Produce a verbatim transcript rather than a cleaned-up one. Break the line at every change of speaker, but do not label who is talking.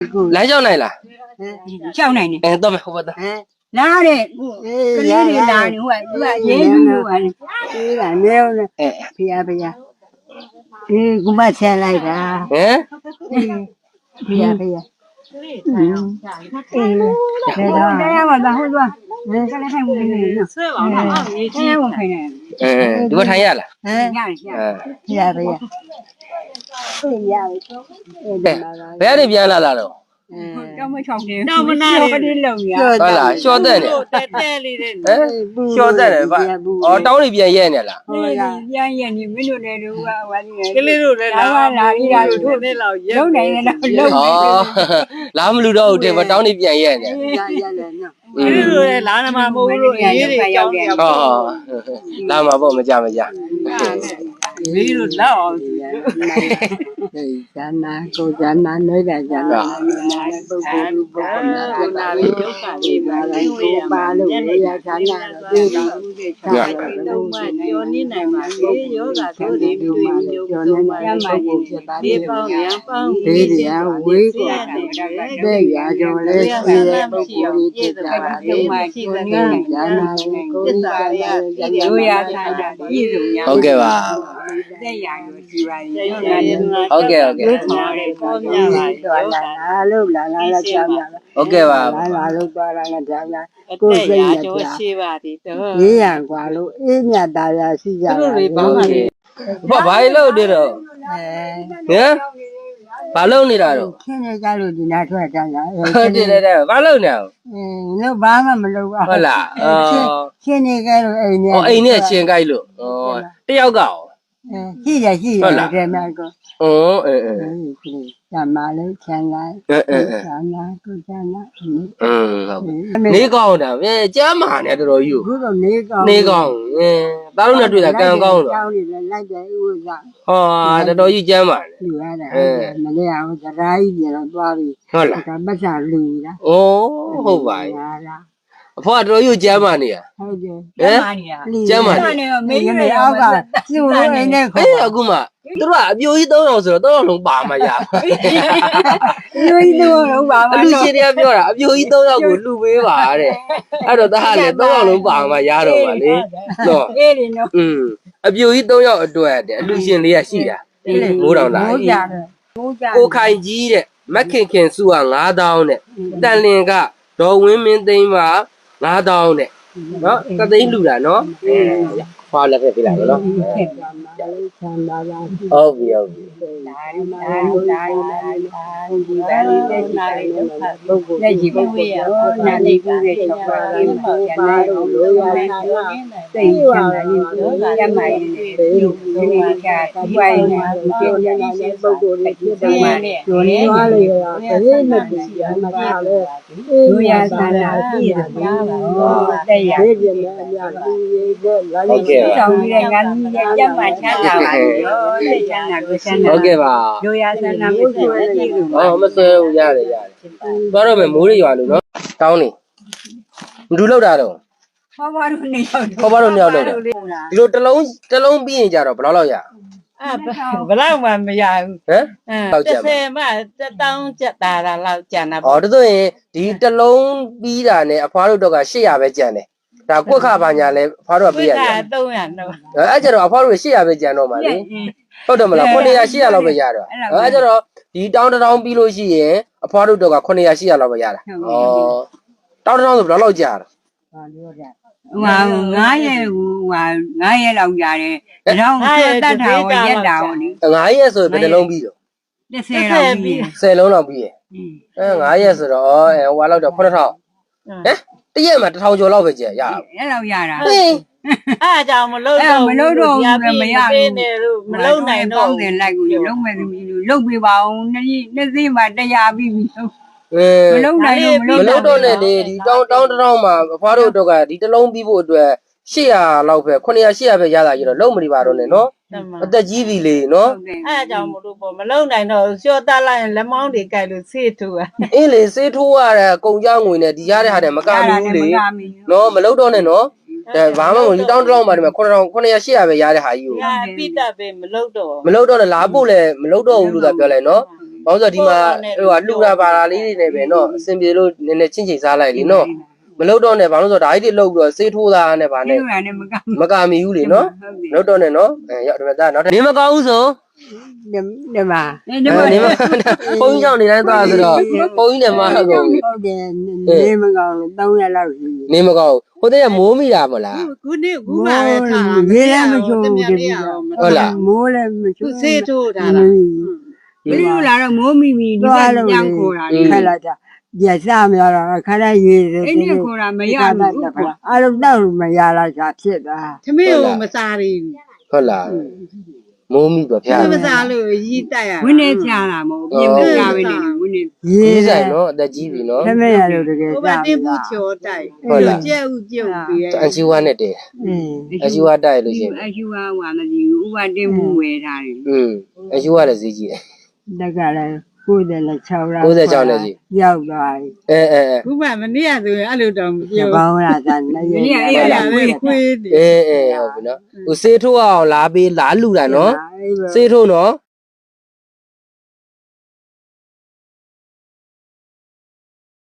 来叫奶了，
叫奶奶，
哎，到没？我的，
哪里？这里的哪里？我我也有啊，对了，没有了，
哎，
不要不要，嗯，我把钱来的，
嗯，
嗯，不要不要，嗯，嗯，来了，来呀，我然后说，嗯，刚才还我给你呢，嗯，刚才我给你，
嗯，你给我看一下了，
嗯，
嗯，
不要不要，不要，
哎，不要那边来了喽。
嗯，要么炒的，要么哪里冷呀？
好了，小蛋的，
在带里的，
哎，小蛋的吧，哦，到那边演的了。
好呀，演演你们就来这我我这，这里头来哪哪里哪里头来老演，老奶奶老老。
哦，哪么路到这边到那边演的？
演演来呢。
嗯，
这里头来哪他妈没路，也得要点。
哦，哪么不我们家没家？
没路老。对，咱那够咱那那点咱那那不不不不那那里有啥地方来够八路的呀？咱那对对，咱那都嘛，叫你来嘛，也有个土地对，有有嘛，也嘛也，地方两方对的，为过，对呀，就来是不不的这个对嘛，就你看咱那够咱那有呀，咱那一种呀。
OK 吧？
在呀，有几万，有那。
OK OK。 OK 吧。 不白了的了。嗯？白了你了喽？对对对，白了呢。
嗯，那白嘛没了啊。
好啦，呃。
现在该了哎呢。
哦，哎呢，先该了。哦，这要搞。
嗯，是的，是的，这那个。
哦，嗯嗯。
干嘛了？钱来。
嗯嗯嗯。
钱来，够钱来。
嗯，好。你讲的，哎，加码呢，这都有。
你讲。
你讲，嗯，大陆那对的，刚刚的。哦，这都有加码的。嗯。
没得啊，我这来一点了，多的。
好了。
干不上路了。
哦，好吧。พ่อเราอยู่เยอรมันเนี่ยเอ๊ะเยอรมันเนี่ยไม่ไม่เอาป่ะอยู่ในเนี่ยเอ้ยအခုမှသူတို့ကအပြိုကြီးသုံးအောင်ဆိုတော့သုံးအောင်လုံးပါမှာရအပြိုကြီးသုံးအောင်လုံးပါမှာအလူရှင်တွေကပြောတာအပြိုကြီးသုံးအောင်ကိုလှူပေးပါတဲ့အဲ့တော့တဟလည်းသုံးအောင်လုံးပါမှာရတော့ပါလေနော်အေးလေနော်อืมအပြိုကြီးသုံးအောင်အတွက်တဲ့အလူရှင်လေးကရှိတာမိုးတောင်လာကြီးကိုခိုင်ကြီးတဲ့မက်ခင်ခင်စုကငါးသောင်းတဲ့တန်လင်ကဒေါ်ဝင်းမင်းသိန်းပါငါးသောင်းတဲ့နော်တသိန်းလူတာနော်အဲခွာလက်ဖက်ပြလိုက်တော့နော်ဟုတ်ပြီဟုတ်ပြီဒီပါလေးတက်နာလေးတော့ပုဂ္ဂိုလ်လက်ရှိပုဂ္ဂိုလ်ရောနာနေကူတဲ့ချက်ပါလေးပါပါလို့လို့ရတာသိချင်တယ်လို့ရမှာဒီလိုမျိုးကဒီဝိုင်းနဲ့ဒီကျန်တဲ့ပုဂ္ဂိုလ်တွေဒီမှာကျွန်းသွားလေရတာတည်းမတူရမှာလေတို့ရသာလာကြည့်ရပါတော့တဲ့ရဒီပြန်အများကြီးတဲ့လာလို့ဆောင်ပြီးတဲ့ငန်းရမှာချမ်းသာပါရောတဲ့ချမ်းသာကိုချမ်းသာဟုတ်ကဲ့ပါတို့ရသာလာကိုကြည့်လို့ဟောမဆွဲဘူးရတယ်ရတယ်သွားတော့မယ်မိုးရရွာလို့နော်တောင်းနေဘယ်လိုလောက်တာတော့ခေါ်ပါတော့နေရောက်ခေါ်ပါတော့နေရောက်လို့ဒီလိုတစ်လုံးတစ်လုံးပြီးရင်ကြတော့ဘယ်လောက်လောက်ရ
အဲဘယ်လောက်မှမရဘူး
ဟမ်
အဲတစ်ဆယ်မှတစ်တောင်းကျက်တာလောက်ကျန်တာ
ပေါ့ဩဒါဆိုရင်ဒီတစ်လုံးပြီးတာနဲ့အဖွားတို့တော့က၈ရာပဲကျန်တယ်ဒါကွက်ခပါညာလဲအဖွားတို့ကပြီးရတယ်
သုံးရာတော့
အဲ့ကျတော့အဖွားတို့၈ရာပဲကျန်တော့မှာလေဟုတ်တယ်မလား900 800လောက်ပဲရတော့အဲ့ကျတော့ဒီတောင်းတောင်းပြီးလို့ရှိရင်အဖွားတို့တော့က900 800လောက်ပဲရတာဩတောင်းတောင်းဆိုဘယ်လောက်ကြာတာ
ဟာပြောကြဟိုငါးရက်ဟိုငါးရက်လောက်ရတယ်ဒါတော့တတ်တာကိုရက်တာကိုလေ
ငါးရက်ဆိုဘယ်နှလုံးပြီးတော့
တစ်ဆယ်လောက်ပြီး
ဆယ်လုံးလောက်ပြီးရဲ့အဲငါးရက်ဆိုတော့အဲဟိုလောက်တော့9000ဟမ်တရက်မှာတစ်ထောင်ကျော်လောက်ပဲကျရရ
အဲ့လောက်ရတာအဲ့အကြောင်းမလုံးတော့မလုံးတော့မရဘူးမလုံးနိုင်တော့ပေါင်းတယ်လိုက်ကိုလုံးမဲ့သမီးတို့လုံးပြပါအောင်နှစ်နှစ်သိမှတရားပြီးပြီ
မလုံးနိုင်လို့မလုံးတော့နဲ့လေဒီတောင်းတောင်းတောင်းမှာအဖွားတို့တော့ကဒီတစ်လုံးပြီးဖို့အတွက်၈ရာလောက်ပဲ900 800ပဲရတာကြီးတော့လုံးမနေပါတော့နဲ့နော်အသက်ကြီးပြီလေနော်
အဲအကြောင်းမလို့ပေါ့မလုံးနိုင်တော့လျှော့တက်လိုက်ရင်လက်မောင်းတွေကြိုက်လို့ဆေးထိုးอ่ะ
အင်းလေဆေးထိုးရတဲ့ကုံကြောင်းငွေနဲ့ဒီရတဲ့ဟာတွေမကမီဘူးလေနော်မလုံးတော့နဲ့နော်အဲဘာမှမဟုတ်ဒီတောင်းတောင်းမှာဒီမှာ9000 900 800ပဲရတဲ့ဟာကြီးကို
ပြတ်တက်ပဲမလုံးတော့
မလုံးတော့နဲ့လာဖို့လည်းမလုံးတော့ဘူးလို့သာပြောလိုက်နော်
ဘာလို့ဆိုဒီမှာဟိုကလှူတာပါလာလေးတွေနဲ့ပဲเนาะအစင်ပြေလို့နည်းနည်းချင်းချင်းစားလိုက်လीเนาะမလုပ်တော့နဲ့ဘာလို့ဆိုဒါကြီးတွေလှုပ်ပြီးတော့စေးထိုးတာနဲ့ဗာနဲ့
ဒီလိုနဲ့မက
မကမီဘူးလေเนาะမလုပ်တော့နဲ့เนาะအဲရောက်ဒီမှာဒါနောက်ထပ်နေမကောင်းဘူးဆို
ဒီမှာ
ဒီ
အဲ
မှာ
နေမဘုန်းကြီးကြောင့်နေတိုင်းသွားဆိုတော့ဘုန်းကြီးနဲ့မဟုတ်ဘူး
ဟုတ်တယ်နေမကောင်းလို့သုံးရက်လောက်ရှိ
နေမကောင်းဘူးဟိုတည်းကမိုးမိတာမလား
ခုနေ့ခုမှပဲထား
ရေလည်းမချိုး
တ
ဘူး
မ
ဒီ
လေး
က
အောင်
ဟုတ်လား
မိုးလည်းမချိုး
ခုစေးထိုးထားတာ
ဒီလိုလာတော့မိုးမိမိဒီကညံခေါ်တာ
ခက်လိုက်တာရစားမရတော့ခါတိုင်းရေတွေ
အဲ့ဒီခေါ်တာမရဘူးကွာ
အားလုံးတော့မရလာချာဖြစ်တာ
သမီးကိုမစားရဘူး
ဟုတ်လားမိုးမိတော့ဖျား
သမီးမစားလို့ရီးတက်ရ
ဝင်းနေချတာမဟုတ်ပြင်မကြပဲနေဝင်းနေ
ရေ
ရေး
တို
ဆိုင်
င်
နော်အသက်ကြီးပြီနော်
သမီးရလို့တကယ်
ဟိုဘ
စား
တင်ဘူးချောတိုက်ကျဲဥပြုတ်ပြီး
အန်ချီဝါနဲ့တည်း
အင်း
အချီဝါတိုက်လို့ရှိရင်
အရှူဝါဝါမကြည့်ဘူးဥပတင်မှုဝယ်ထားတယ်
อืมအချီဝါလည်းဈေးကြီးတယ်
တက်ကလည်းကိုယ်တယ်လည်း6လောက်
ကိုယ်တယ်၆နဲ့ကြီး
ရောက်သွားပြီ
အဲအဲအဲ
ခုမှမနေ့ကဆိုရင်အဲ့လိုတော့မ
ဒီ
ပြော
ကောင်းလာတာနေရ
အဲ့ဒါလည်းခွေးတယ်
အဲအဲဟုတ်ပြီနော်ဟိုစေးထိုးအောင်လာပေးလာလူတာနော်စေးထိုးနော်